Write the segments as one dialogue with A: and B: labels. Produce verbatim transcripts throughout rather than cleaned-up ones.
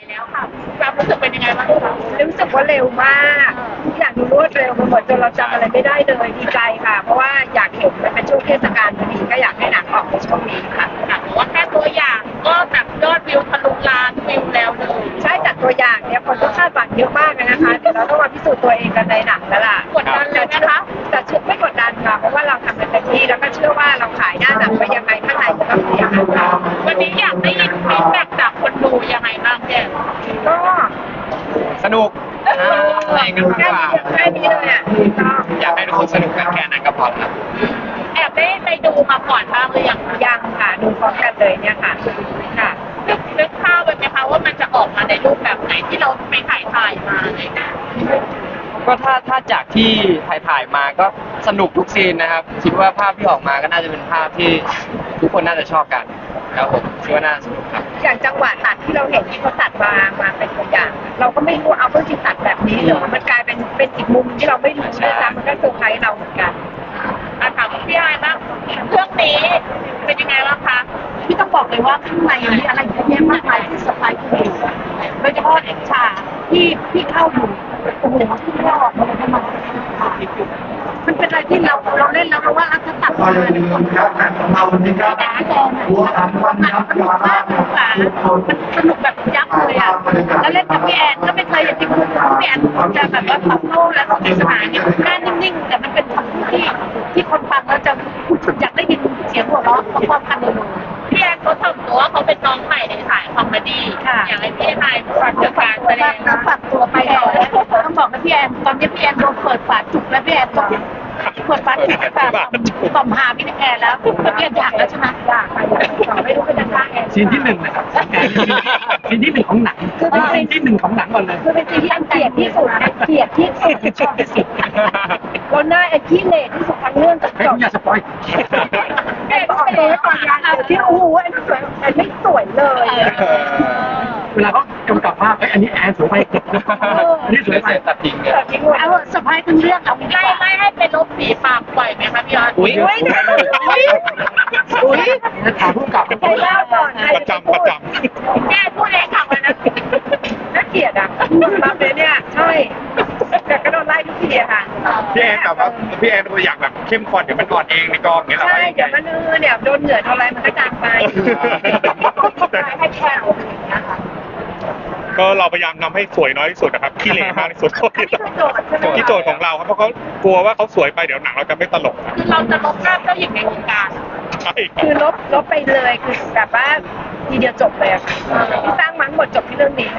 A: แล้วค่ะความรู้สึกเป็นยังไงบ้างคะ
B: รู้สึกว่าเร็วมากทุกอย่างดูรวดเร็วไปหมดจนเราจำอะไรไม่ได้เลยดีใจค่ะ เพราะว่าอยากเห็นมันเป็นช่วงเทศกาลพอดีก็อยากให้หนังออกในช่วงนี้ค่ะ
A: ค่ะแต่ว่าแค่ตัวอย่างก็แบบยอดวิวทะลุล้านวิวแล้วเลย
B: ใช่จากตัวอย่างเนี่ยคนก็คาดหวังเยอะมากเลยนะคะเดี๋ยวเราต้องมาพิสูจน์ตัวเองกันในหนังแล้วล่ะ
A: กดดันเลยนะคะ
B: แต่เชื่อไม่กดดันค่ะเพราะว่าเราทำกันเต็มที่แล้วก็เชื่อว่าเราขายหน้าหนังไปยังไงข้างในจะต้องเป็นอย่างนั้นค่ะ
A: วันนี้อยากได้ยินฟีดแบ็กจากคนดูยังไงบ้างเนี่ย
B: ก็
C: สนุกอะไรกันมาก
B: แค่
C: กว่า
B: นี้แค่นี้เลยอ่ะก็
C: อยากให้ทุกคนสนุกกันแค่นั้นก็พอแล้วครับ
A: แอบได้ไปดูมาก่อนบ้างหรือยัง
B: ยังค่ะดูพร้อมกันเลยเนี่ยค่ะค่ะ
A: นึกนึกภาพไว้ไหมคะว่ามันจะออกมาในรูปแบบไหนที่เราไปถ่ายถ่ายมาอะไรอย่างเงี้ย
C: ก็ถ้าถ้าจากที่ถ่ายถ่ายมาก็สนุกทุกซีนนะครับ คิดว่าภาพที่ออกมาก็น่าจะเป็นภาพที่ทุกคนน่าจะชอบกันครับผมคิดว่าน่าสนุกครับ
B: อย่างจังหวะตัดที่เราเห็นที่เขาตัดมามาเป็นตัวอย่าง เราก็ไม่รู้เอาเพื่อที่ตัดแบบนี้หรือมันกลายเป็นเป็นอีกมุมที่เราไม่รู้ด้วยซ้ำมันก็เซอร์ไพรส์เราเหมือนกัน
A: อ่ะถามพี่ไอ้บ้างเรื่องนี้เป็นยังไงบ้างคะ
D: พี่ต้องบอกเลยว่าข้างในมีอะไรเยอะแยะมากมายที่เซอร์ไพรส์คุณอยู่โดยเฉพาะเอกชาที่พี่เข้าอยู่โอ้โหที่ไม่ออกมาเลยทำไมมันเป็นอะไรที่เราเราเล่นแล้วเราว่าถ้าตัด
E: ก็อย่าลืมครับงานของเราวันนี้ครับหัวอันวันยับ
D: สนุกมากเลยค่ะมันสนุกแบบยับเลยอ่ะแล้วเล่นกับพี่แอนก็ไม่เคยอย่างที่คุณพี่แอนจะแบบว่าตอบโต้และสนุกสนานเนี่ยหน้านิ่งๆแต่มันเป็นคำพูดที่ที่คนฟังแล้วจะอยากได้ยินเสียงหัวเราะพร้อมๆกันเลย
A: พี่แอนเขาถ่อมตัวว่าเขาเป็นน้องใหม่ในสายคอมเมดี้
D: ค่ะ
A: อยากให้พี่ไอ้ฝากเรื่องการแสดง
D: แล้วฝากตัวไปต่อแล้วต้องบอกนะพี่แอนตอนนี้พี่แอนโดนเปิดฝาจุกแล้วพี่แอนต้องเปิดฝาจุกฝาต่อมหาพี่แอนแล้วพี่แอนอยากแล้วใช่ไหม
B: อยากไปอยากไม่รู้เป็นจะสร้างแอน
F: ซีนที่หนึ่งนะครับซีนที่หนึ่งของหนังคือซีนที่หนึ่งของหนังก่อนเลย
B: คือเป็นสิ่งที่แอนเกลียดที่สุดแอนเกลียดที่สุดชอบที่สุดแล้วหน้าแอนขี้เหร่ที่สุดทั้งเรื่องจบ
F: ให้
B: จ
F: คุ
B: บ
F: ณอย่าสปอย
B: แอนบอกเลยว่าตอนงานที่โอ้โหแอนสวยแอนไม่สวยเลย
F: เวลาเขากำกับภาพเอ้ยอันนี้แอนสวยไปอันนี้สวยไป
C: ตัดทิ้งเนี่ย
B: ทิ้งหมด
D: เอาเซอร์ไพรส์ทั้งเรื่องเอาดีก
A: ไม่
D: ว่า
A: ไม่ให้เป็นลบสีปากปล่อยไหมคะพี่ออส
C: อุ้ย
B: อุ้ยอุ้ยอุ้ย
F: ถามผู้กำกับ
B: ใครเล่าก่อนใคร
G: ประจำประจำ
A: พี่แอนพูดเองค่ะวันนั้น
B: น่าเกลียดอ่ะรับเลยเนี่ยใช่แต่ก็โดนไล่ทุกทีอะค่ะ
G: พี่แอนแบบว่าพี่แอนตัวอยากแบบเข้มข้นเดี๋ยวมันอ่อนเองในกองอย่างเงี้ยเหรอ
B: ใช่
G: ว่ายัง
B: เดี๋ยว
G: ไง
B: มันเออเนี่ยโดนเหงื่อโดนอะไรมันก็จางไปให้แค่อะไรอย่างเงี้ยค่ะ
G: ก็เราพยายามทำให้สวยน้อยที่สุดนะครับขี้เหร่มากที่สุด
B: อันนี้คือโจทย์ใช่ไหม
G: ที่โจทย์ของเราครับเพราะเขากลัวว่าเขาสวยไปเดี๋ยวหนังเราจะไม่ตลกครับ
A: คือเราจะลบภาพเจ้าหญิงในวงการ
G: ใช่ครับ
B: คือลบลบไปเลยคือแบบว่าทีเดียวจบเลยอะค่ะที่สร้างมั้งหมดจบที่เรื่องนี้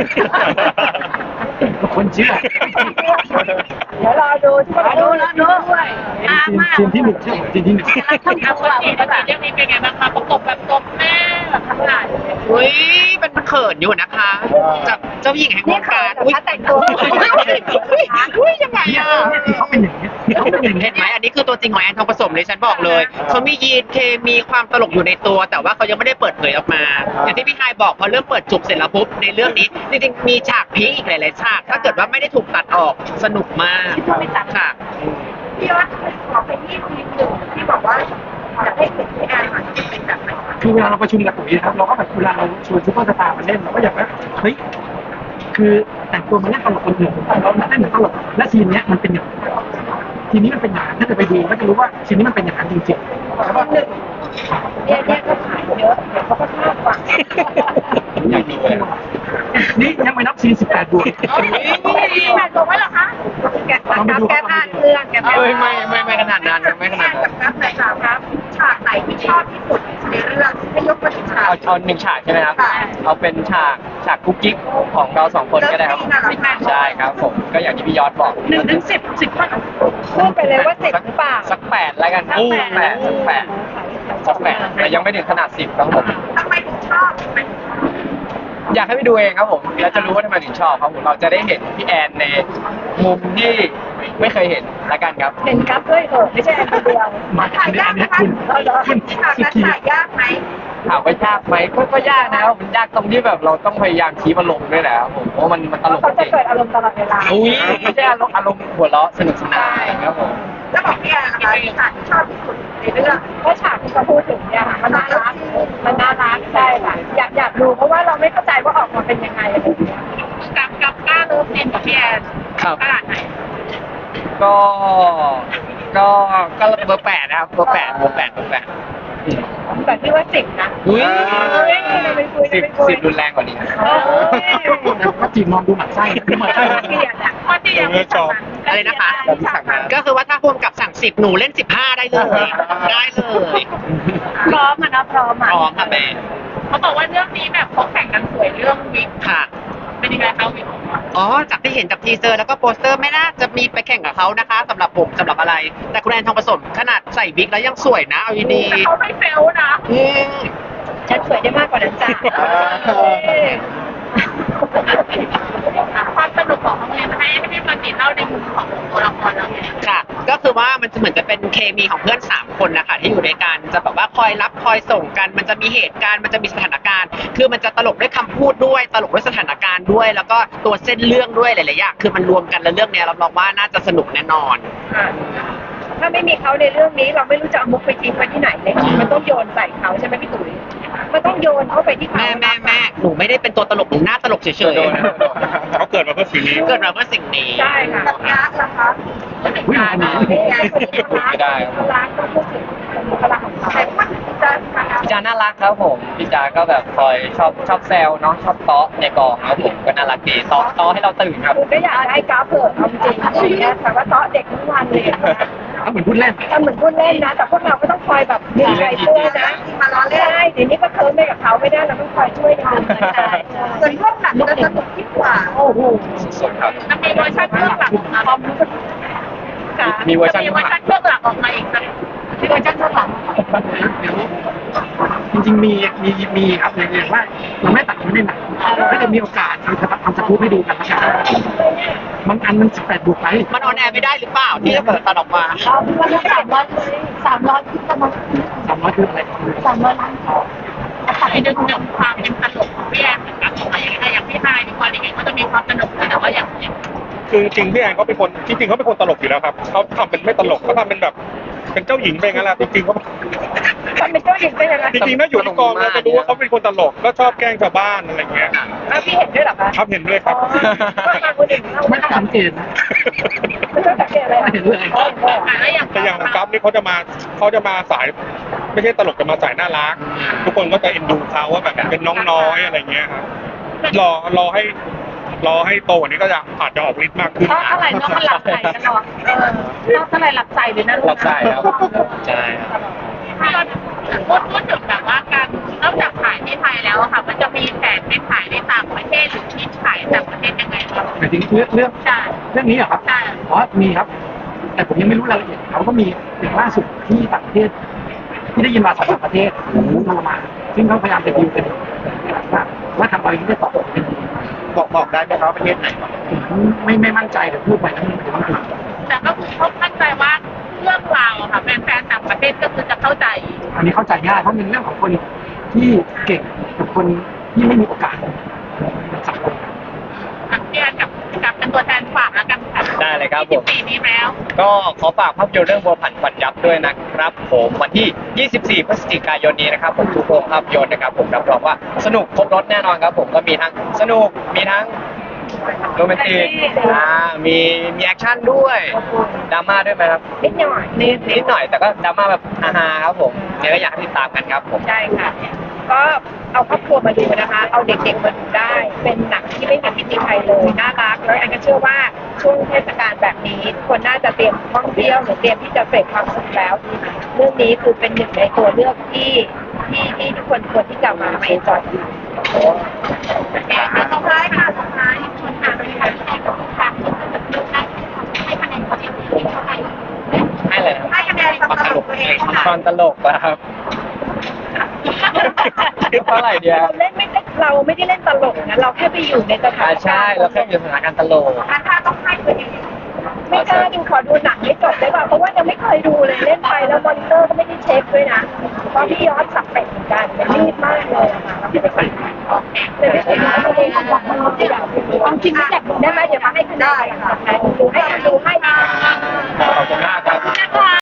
F: คนเชื่อ
B: เดี๋ยวรอดูที่ว่าดูแล้วดูด้วย
D: อามา
F: ซีนที่หนึ่งใช่ไหมซีนที่หนึ่ง
D: แล้วทำ
A: เอา
D: ตัว
A: วัน
D: เรา
A: นี้
D: ดี
A: วัน
D: กว่า
A: นี้เรื่องนี้เป็นไงบ้างคะประกบแบบตบแม่แบบทั้งหลาย
H: อุ้ยมันเขินอยู่นะคะจากเจ้าหญิงแห่งว
B: นี่
H: ง
B: เขา
H: การ
B: แต่
H: อุ้ย
B: ถ้าแต่งตัว
H: อุ้ยยังไงอ่ะ
F: เขาเป็นอย่างนี้เขาเป็นอย่างนี้
H: เห็นไหมอันนี้คือตัวจริงของแอนทองผสมเลยฉันบอกเลยเขามียีนเคมีความตลกอยู่ในตัว แต่ว่าเขายังไม่ได้เปิดเผยออกมา อย่างที่พี่ไฮายบอกพอเริ่มเปิดจุกเสร็จแล้วปุ๊บในเรื่องนี้จริงๆมีฉากพีคอีกหลายๆฉากถ้าเกิดว่าไม่ได้ถูกตัดออกสนุกมากค่ะ
B: พี่ว่าขอเป็นที่ทีมหนึ่งที่บอกว่าอยากให้เห็นพี่แอนหน่อยจะเป็นแบบไหน
F: คือเวลาเราประชุมกับปุ๋ยนะครับเราก็แบบเวลาเราชวนซูเปอร์สตาร์มาเล่นเราก็อยากว่าเฮ้ยคือแต่งตัวมาเล่นตลกคนอื่นเราเล่นเหมือนตลกและซีนเนี้ยมันเป็นอย่างทีนี้มันเป็นอย่างนั้นถ้าจะไปดูก็จะรู้ว่าซีนนี้มันเป็นอย่างนั้นจริงๆแล้วก็
B: หนึ่งเนี่ยเนี่ยก็ขายเยอะเดี๋ยวเขาก็ชอบฟัง
C: อยากดูเลย
F: นี่ยังไม่นับซีนสิบแปดบวก
B: พี่แอนบอกว่าเหรอคะแกะแกะแกะผ่านเครื่องแกะ
C: เอ้ยไม่ไม่ไม่ขนาดนั้นไม่ขนาดนั้น
B: ครับไหนครับครับฉากไหนที่ชอบที่สุดในเรื่องให้ยกมาถึงฉาก
C: เอาเอาหนึ่งฉากใช่ไหมครับ เอาเป็นฉากฉากกุ๊กกิ๊กของเราสองคนก็ได้ครับ ใช่ครับผมก็อย่างที่พี่ยอดบอก
D: หนึ่งถึงสิบสิบเท่า
B: พูดไปเลยว่าสิบหรือเปล่า
C: สักแปดแล้วกันครับสักแปดสักแปดสักแปดแต่ยังไม่ถึงขนาดสิบครับผม
B: ทำไมถึงชอบ
C: อยากให้ไปดูเองครับผมแล้วจะรู้ว่าทำไมถึงชอบครับผมเราจะได้เห็นพี่แอนในมุมที่ไม่เคยเห็นละกันครับ
B: เห็นครับด้วยเหรอไม่ใช่แอนคนเดียว
F: มา
B: ถ่าย
F: อันนี้
B: ยา
F: อั
B: ก
F: น
B: ไหม
F: นี้
B: คะ
F: คุณ
B: เราเหรอ
F: คุณ
B: ฉาก
F: สุ
B: นั้น
F: กี้
B: ถ่ายยากไหม
C: ถามว่ายากไหมก็ก็ยากนะครับมันยากตรงที่แบบเราต้องพยายามคีบอารมณ์ด้วยแหละครับผมเพราะมันมันตลก
B: เขา
C: จ
B: จะ
C: ริง
B: เกิดอารมณ์ตลอดเวลา
C: อุ้ยไม่ใช่อารมณ์อารมณ์หัวเราะสนุกสนานครับผม
B: แล้วบอกพี่แอนนะคะฉากที่ชอบที่สุดในเรื่องเพราะฉากที่เขาพูดถึงเนี่ยค่ะมันน่ารักมันน่ารักใช่ค่ะอยากอยากดูเพราะว่าเราไม่เข้าใจว่าออกมาเป็นยังไงอะไรอย่างเงี้ย
C: ครับ
A: ขนาดไหน
C: ก็ก็ก็เบอร์แปดนะครับเบอร์แปดเบอร์แปดเบอร์แปด
B: แบบที่ว่าสิบนะ
C: อุ้ย
B: เฮ้ยเราไม่คุย
C: สิบ
B: เราไม่คุย
C: สิบรุนแรงกว่านี้
B: เอ้ย
F: ก็จีบมองดูหมันไส้ดูหมันไส้
B: เกลียดอ่ะ
A: เพราะที่ยังไม่ทำงาน
H: อะไรนะคะ
C: แบบที่สั่งมา
H: ก็คือว่าถ้าพ่วงกับสั่งสิบหนูเล่นสิบห้าได้เลย ได้เลย
D: พร้อมอ่ะนะพร้อม
H: พ
D: อ่ะ
H: ร้อมค่ะแม่
A: เขาบอกว่าเรื่องนี้แบบเขาแข่งกันสวยเรื่องวิก
H: ค่ะ
A: เป็นยังไงคะวิก
H: อ๋อ จากที่เห็นจากทีเซอร์แล้วก็โปสเตอร์ไม่น่าจะมีไปแข่งกับเขานะคะสำหรับผมสำหรับอะไร แต่คุณแอนทองผสมขนาดใส่บิ๊กแล้วยังสวยนะเอาดี
A: แต่เขาไม่เฟลนะ
H: ๆอืม
B: ฉันสวยได้มากกว่านั้นจ้ะ
A: ความสนุกของน้องเรียนให้ให้พี่ปฏิเล่าในมุมของตัวละครแล้วไง
H: ค่ะ ก็คือว่ามันจะเหมือนจะเป็นเคมีของเพื่อนสามคนนะคะที่อยู่ด้วยกันจะแบบว่าคอยรับคอยส่งกัน มันจะมีเหตุการณ์มันจะมีสถานการณ์ คือมันจะตลกด้วยคำพูดด้วยตลกด้วยสถานการณ์ด้วย แล้วก็ตัวเส้นเรื่องด้วยหลายๆอย่างคือมันรวมกันแล้วเรื่องเนี้ยรับรองว่าน่าจะสนุกแน่นอน
B: อ่ะถ้าไม่มีเขาในเรื่องนี้เราไม่รู้จะเอามุกไปทิ้งไว้ที่ไหนเลยมันต้องโยนใส่เขาใช่ไหมพี่ตุ๋ยมันต้องโยนเข้าไปที่เขา
H: แม่แม่แม่หนูไม่ได้เป็นตัวตลกหนูหน้าตลกเฉย
C: โดนนะ
G: เขาเกิดมาเพื่อสิ่งนี้
H: ๆเกิดมาเพื่อสิ่งนี้
B: ใช่ค่ะรักนะคะ
F: วิ่งมาหนี
C: ไม่ได้ครับ
B: รักต้องพูดถึงบุคลากรของเขาแต่ว่าจะ
C: พี่จาน่ารักครับผมพี่จาก็แบบคอยชอบชอบแซวเนาะชอบเตาะในกองครับผมก็น่ารักดีเตาะเตาะให้เราตื่นครับ
B: คือก็อยากให้กราฟเปิดเอาจริงๆเนี่ยแต่ว่าเตาะเด็กทุกวันเลยนะ
F: เขาเหมือนพูดเล่น
B: ทำเหมือนพูดเล่นนะ แต่พวกเราก็ต้องคอยแบบดึงใจเพื่อนนะมาล้อเล่นใช่เดี๋ยวนี้ก็เคิร์มไปกับเขาไม่ได้เราต้องคอยช่วยกันดึงใจส่วนพวกหนังจะสนุกยิ่งกว่าโอ้โห
C: สุดครับ
A: จะมีเวอร์ชันเบื้องหลังออกมาพร้อมค่ะ
C: มีเวอร์ชัน
A: มีเวอร์ชันเบื้องหลังออกมาอีกสักมีเวอร์ชันเบื้องหลัง
F: จริงๆมีมีมีครับอย่างว่าเราไม่ตัดไม่ได้หนักถ้าจะมีโอกาสเราจะทำสกู๊ปให้ดูกันนะครับบางอันมันสิบแปดบวกไป
H: มันออนแอร์ไม่ได้หรือเปล่าที่จะเปิดตัดออกมา
D: เอาที่ว่าสามร้อยสามร้อยที่จะมา
F: สามร้อยคืออะไร
D: สามร้อยล้าน
A: ตัดไปดึงดึงความเป็นตลกของพี่แอนเหมือนกันออกมาอย่างไรอย่างพี่ไฮดีกว่าอย่างไงก็จะมีความสนุกแต่ว่าอย่าง
G: คือจริงๆพี่แอนเขาเป็นคนจริงๆเขาเป็นคนตลกอยู่แล้วครับเขาทำเป็นไม่ตลกเขาทำเป็นแบบเป็นเจ้าหญิงไปงั้นแหละจริงๆเขา
B: ทำเป็นเจ้าหญิงได้ยังไง
G: จริงๆถ้าอยู่ในกองเราจะรู้ว่าเขาเป็นคนตลกก็ชอบแกล้งชาวบ้านอะไรเงี้ย
B: อ้าวพี่เห็นด้วยเหรอคะ
G: ครับเห็นด้วยครับ
B: ก็มาคนอื่น
F: ไม่ต้องสังเกตนะ
B: ไม่ต้องสังเกตอะไร
F: ไม่เห็นเลย
A: แล้วอย่าง
G: แต่อย่างกัฟนี่เขาจะมาเขาจะมาสายไม่ใช่ตลกจะมาสายน่ารัก ทุกคนก็จะเอ็นดูเขาว่าแบบเป็นน้องน้อยอะไรเงี้ยครับรอรอให้รอให้โตกว่านี้ก็จะอาจจะออกฤทธิ์มากขึ้น
D: เพราะอะไรน้องมันหลับใจตลอดเออน้องอะไรหลับใจเลยนะ
C: หลับได้ครับใช่ครับ
A: ถ้าเราพูดพูดถึงแบบว่าการนอกจากขายที่ไทยแล้วอะค่ะ มันจะมีแผนไปขายในต่างประเทศหรือที่ขายต่างประเทศยังไงบ้าง
F: หมายถึงเรื่องเรื่อง
A: ใช่
F: เรื่องนี้เหรอครับ
A: ใช่
F: อ๋อมีครับ แต่ผมยังไม่รู้รายละเอียดเขาก็มีอย่างล่าสุดที่ต่างประเทศ ที่ได้ยินมาสองสามประเทศโทรมาซึ่งเขาพยายามจะดิวกันว่าว่าทำอะไรได้ตอบเป็นดี
H: บอกบอกได้ไหมครับประเทศไหน
F: ผมไม่ไม่มั่นใจแต่พูดไปทั้งนี้ไม่ถูก
A: แต่ก็คือเขามั่นใจว่าเรื่องราวอะค่ะแฟนๆต่างประเทศก็คือจะเข้าใจ
F: อันนี้เข้าใจง่ายเพราะเป็นเรื่องของคนที่เก่งกับคนที่ไม่มีโอกาสสังคม
A: อ่ะพี่แอนกับกับเป็นตัวแทนฝากแล้วกันค่ะ
C: ได้เลยครับผม
A: ปีนี้แล้ว
C: ก็ขอฝากภาพยนตร์เรื่องบัวผันควันยับด้วยนะครับผมวันที่ ยี่สิบสี่ พฤศจิกายนนี้นะครับผมทุกโรงภาพยนตร์นะครับผมรับรองว่าสนุกครบรถแน่นอนครับผมก็มีทั้งสนุกมีทั้งโรแมนติกอ่ามีมีแอคชั่นด้วยดราม่าด้วยไหมครับ
B: นิดหน่อยนิด
C: นิดหน่อยแต่ก็ดราม่าแบบฮาๆครับผมเนี่ยก็อยากให้ติดตามกันครับผม
B: ใช่ค่ะ ก็เอาครอบครัวมาดูนะคะ เอาเด็กๆมาดูได้ เป็นหนังที่ไม่มีพิธีไทยเลย น่ารัก แล้วแอนก็เชื่อว่าช่วงเทศกาลแบบนี้ทุกคนน่าจะเตรียมท่องเที่ยวหรือเตรียมที่จะเสพความสุขแล้ว เรื่องนี้คือเป็นหนึ่งในตัวเลือกที่ที่ที่ทุกคนควรที่จะมามาเอนจอยกัน
A: โอเคค่ะสุดท้ายค่ะสุดท้ายคุณค่ะเป็นการให้กับทุกท่านให้คะแนนความเห็นเท่าไหร่
C: ให้เลยครับ
A: ให้คะแนนความตลกตัวเอง
C: ตอนตลกนะครับเท่าไหร่เดียว
B: เราเล่นไม่ได้เราไม่ได้เล่นตลกนะเราแค่ไปอยู่ในสถา
C: อ่าน ใช่
B: การณ์
C: เราแค่อยู่สถานการณ์ตลก
A: ถ้าต้องให้ตัวเอง
B: ไม่กล้าดิขอดูหนังให้จบได้ป่ะเพราะว่ายังไม่เคยดูเลยเล่นไปแล้วมอนิเตอร์ก็ไม่ได้เช็คด้วยนะเพราะพี่ยอดสับเป็ดเหมือนกันมันรีบมากเลยอะค่ะเราไปใส่แต่ไม่ใช่ว่าตัวเองบอกว่าเราจะอยากดูความจริงไม่อยากดูได้ไหมเดี๋ยวมาให้คะแนนค่ะดูให้ดู